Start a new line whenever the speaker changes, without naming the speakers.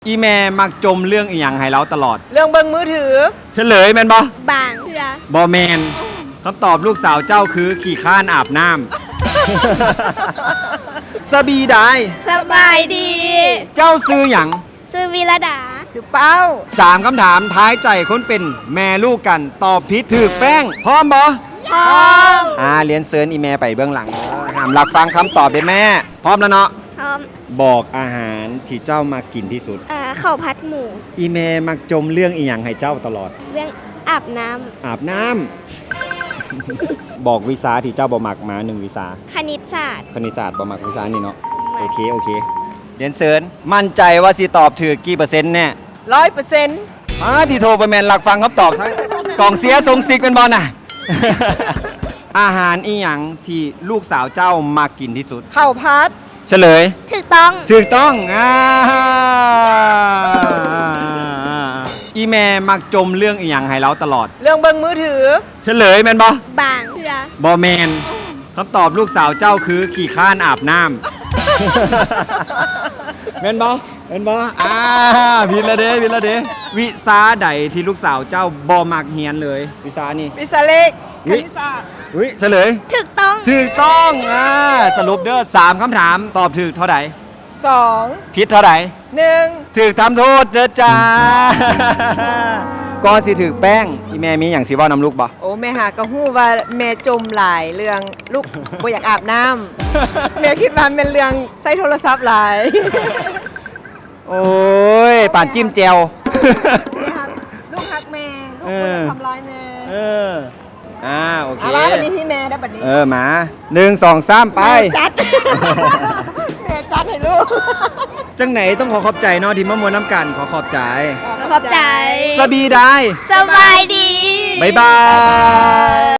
อีแม่มักจมเรื่องอีหยังให้เราตลอด
เรื่องเบิ่งมือถือ
เฉลยแม่นบ่
บางเถื่อบ
อแมนคำตอบลูกสาวเจ้าคือขี่ข้านอาบน้ำ สบีได้
สบายดี
เจ้าซื้อหยัง
ซื้อวิรดา
สิเป้า
3 คำถามท้ายใจคนเป็นแม่ลูกกันตอบผิดถือแป้ง พร้อมบ่
พร้อม
เรียนเซิร์นอีแม่ไปเบื้องหลังห้ามหลักฟังคำตอบได้แม่ พร้อมแล้วเนาะ
พร้อม
บอกอาหารที่เจ้ามากินที่สุด
ข้าวผัดหมู
อีแม่มักจมเรื่องอีหยังให้เจ้าตลอด
เรื่องอาบน้
อาบน้ำ บอกวิชาที่เจ้าบ่มักมา1 วิชา
ำคณิตศาสตร์
คณิตศาสตร์บ่มักวิชานี่เนาะ โอเคเรียนเซิร์นมั่นใจว่าสิตอบถือกี่เปอร์เซ็นต์แน่
100%
ที่โทรไปแมนหลักฟังคำตอบทั้งกล่องเสียทรงซิกเป็นบอลน่ะ อาหารอีหยังที่ลูกสาวเจ้ามากินที่สุด
ข้าวพัด
เฉลย
ถูกต้อง
ถูกต้องอีแม่มักจมเรื่องอีหยังให้เราตลอด
เรื่องเบิ่งมือถือ
เฉลยแม่นบ่
บางเถื่อบ
อแมนคำตอบลูกสาวเจ้าคือขี่ข้านอาบน้ำ แม่นบ่ผิดละเด้วิชาใดที่ลูกสาวเจ้าบ่มักเฮียนเลย วิชานี่
วิชาเลขคณิตศาสตร์
เฉลย
ถูกต้อง
ถูกต้องสรุปเด้อ3 คำถามตอบถูกเท่าไหร่
2
ผิดเท่าไหร่
1
ถูกทำโทษเด้อจ้า ก่อนสิถูกแป้งอีแม่มีอย่างสิเว้านำลูกบ่
โอ้แม่หากระหู้ว่าแม่จมหลายเรื่องลูก บ่อยากอาบน้ำ แม่คิดว่าเป็นเรื่องใช้โทรศัพท์หลาย
โอ้ยป่านจิ้มแจว
ลูกฮักแม่ลูกบ่อยากทำร้ายแม่
โอเค
เอาละวันนี้ที่แม่ได้บัดนี้
มา1 2 3 ไป
จัด แม่จัดให้ลูก
จังไหนต้องขอบใจเนาะที่มามวนน้ำกันขอบใจ
ขอบใจ
สบีได้
สบายดี
บ๊ายบาย